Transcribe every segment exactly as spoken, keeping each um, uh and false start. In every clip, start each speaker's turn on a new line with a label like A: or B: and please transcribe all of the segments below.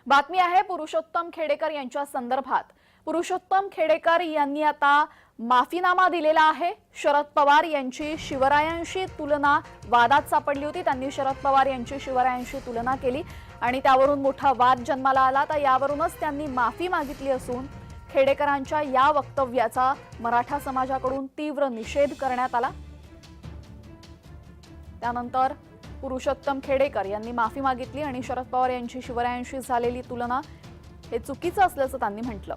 A: बातमी आहे पुरुषोत्तम खेडेकर यांच्या संदर्भात। पुरुषोत्तम खेडेकर यांनी आता माफीनामा दिलेला आहे। शरद पवार यांची शिवरायांशी तुलना वादात सापडली होती। त्यांनी शरद पवार यांची शिवरायांशी तुलना केली आणि त्यावरून मोठा वाद जन्माला आला। तर यावरूनच त्यांनी माफी मागितली असून खेडेकरांच्या या वक्तव्याचा मराठा समाजाकडून तीव्र निषेध करण्यात आला। त्यानंतर पुरुषोत्तम खेडेकर यांनी माफी मागितली आणि शरद पवार यांची शिवरायांशी झालेली तुलना हे चुकीचं असल्याचं त्यांनी म्हटलं।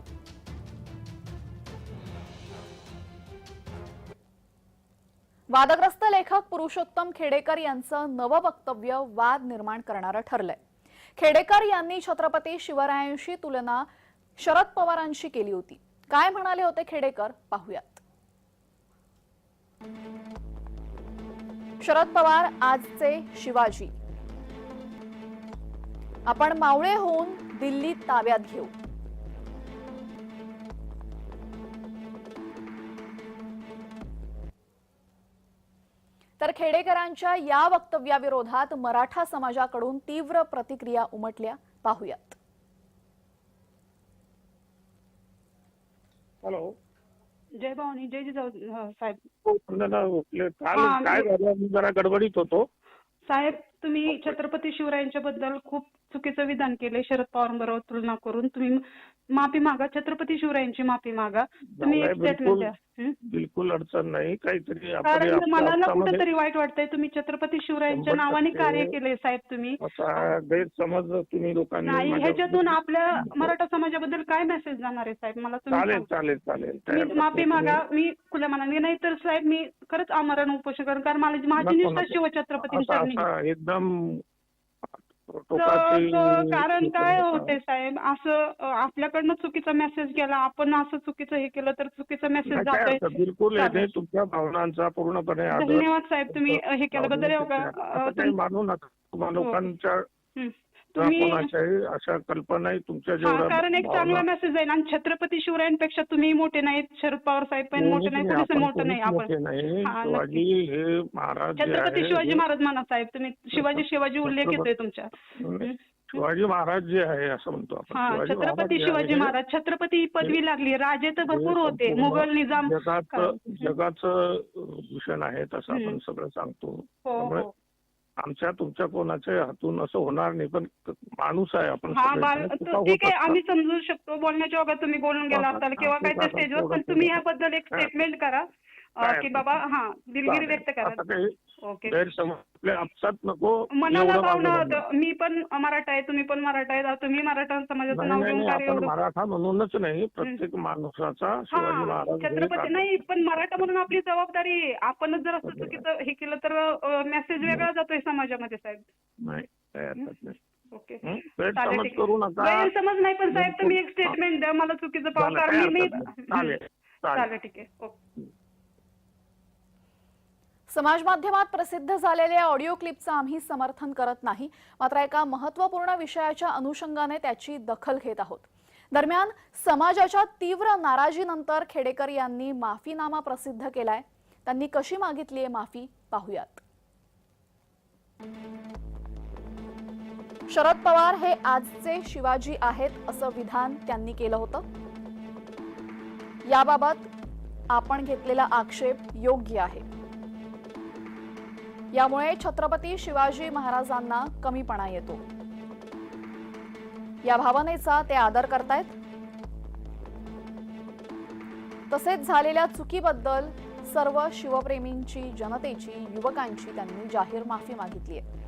A: वादग्रस्त लेखक पुरुषोत्तम खेडेकर यांचं नवं वक्तव्य वाद निर्माण करणारं ठरलंय। खेडेकर यांनी छत्रपती शिवरायांशी तुलना शरद पवारांशी केली होती। काय म्हणाले होते खेडेकर पाहूयात। शरद पवार आजचे शिवाजी, आपण मावळे होऊन दिल्ली ताब्यात घेऊ। तर खेडेकरांच्या या वक्तव्याविरोधात मराठा समाजाकडून तीव्र प्रतिक्रिया उमटल्या, पाहूयात।
B: हॅलो,
C: जय भवानी, जय जिजाऊ साहेब।
B: काल काय झालं, मी जरा गडबडीत होतो
C: साहेब। तुम्ही छत्रपती शिवरायांच्या बद्दल खूप चुकीचं विधान केले। शरद पवारांबरोबर तुलना करून तुम्ही माफी मागा, छत्रपती शिवरायांची माफी मागा। तुम्ही एक स्टेटमेंट द्या।
B: बिलकुल अडचण नाही, काहीतरी
C: कारण मनाला कुठेतरी वाईट वाटतंय। तुम्ही छत्रपती शिवरायांच्या नावाने कार्य केले साहेब। तुम्ही
B: असा गैरसमज तुम्ही लोकांनी
C: नाही, ह्याच्यातून आपल्या मराठा समाजाबद्दल काय मेसेज जाणार आहे साहेब? मला तुम्ही
B: चालेल चालेल चालेल
C: तुम्ही माफी मागा। मी खुल्या मनाने नाही तर साहेब मी खरंच आमरण उपोषण करेन, कारण मला माझी निष्ठा शिवछत्रपती
B: एकदम।
C: कारण काय होते साहेब, असं आपल्याकडनं चुकीचा मेसेज गेला, आपण असं चुकीचं हे केलं तर चुकीचा मेसेज जातोय।
B: बिलकुल तुमच्या भावनांचा पूर्णपणे
C: धन्यवाद साहेब, तुम्ही हे केल्याबद्दल।
B: मानू नका लोकांच्या
C: तुम्ही
B: अशा कल्पना तुमच्या जेवढ्या,
C: कारण एक चांगला मेसेज आहे। आणि छत्रपती शिवरायांपेक्षा तुम्ही मोठे नाहीत, शरद पवार साहेब पण मोठे नाही, कुठे मोठं नाही आपण।
B: शिवाजी हे महाराज,
C: छत्रपती शिवाजी महाराज म्हणा साहेब तुम्ही। शिवाजी शिवाजी उल्लेख येतोय तुमच्या।
B: शिवाजी महाराज जे आहे असं म्हणतो आपण,
C: छत्रपती शिवाजी महाराज। छत्रपती ही पदवी लागली, राजे तर भरपूर होते, मुघल निजाम
B: जगाचं जगाचं भूषण आहे तसं आपण सगळं सांगतो। त्यामुळे आमच्या तुमच्या कोणाच्या हातून असं होणार नाही, पण माणूस आहे आपण।
C: ठीक आहे, आम्ही समजू शकतो। बोलण्याच्या वगैरे तुम्ही बोलून गेला असाल किंवा काय त्या स्टेजवर, पण तुम्ही याबद्दल एक स्टेटमेंट करा की बाबा हा दिलगिरी व्यक्त करा। ओके,
B: आपसात नको
C: मनाला भावना। मी पण मराठा आहे, तुम्ही पण मराठा आहे, तुम्ही मराठा समाजाचं नाव घेऊन कार्य एवढं
B: मराठा म्हणूनच नाही, प्रत्येक माणसाचा शिवाजी महाराज
C: छत्रपती नाही, पण मराठा म्हणून आपली जबाबदारी आहे। आपणच जर असं चुकीचं हे केलं तर मेसेज वेगळा जातोय समाजामध्ये साहेब।
B: नाही,
C: ओके,
B: गैरसमज करू नका।
C: गैरसमज नाही, पण साहेब तुम्ही एक स्टेटमेंट द्या, मला चुकीचं पाहू, कारण मी
B: चालेल
C: चालेल ठीक आहे। ओके,
A: समाज माध्यमात प्रसिद्ध झालेल्या ऑडिओ क्लिपचं आम्ही समर्थन करत नाही, मात्र एका महत्त्वपूर्ण विषयाच्या अनुषंगाने त्याची दखल घेत आहोत। दरम्यान समाजाच्या तीव्र नाराजीनंतर खेडेकर यांनी माफीनामा प्रसिद्ध केलाय। त्यांनी कशी मागितली आहे माफी, पाहूयात। शरद पवार हे आजचे शिवाजी आहेत असं विधान त्यांनी केलं होतं। याबाबत आपण घेतलेला आक्षेप योग्य आहे। यामुळे छत्रपती शिवाजी महाराजांना कमीपणा येतो, या भावनेचा ते आदर करतायत। तसेच झालेल्या चुकीबद्दल सर्व शिवप्रेमींची, जनतेची, युवकांची त्यांनी जाहीर माफी मागितली आहे।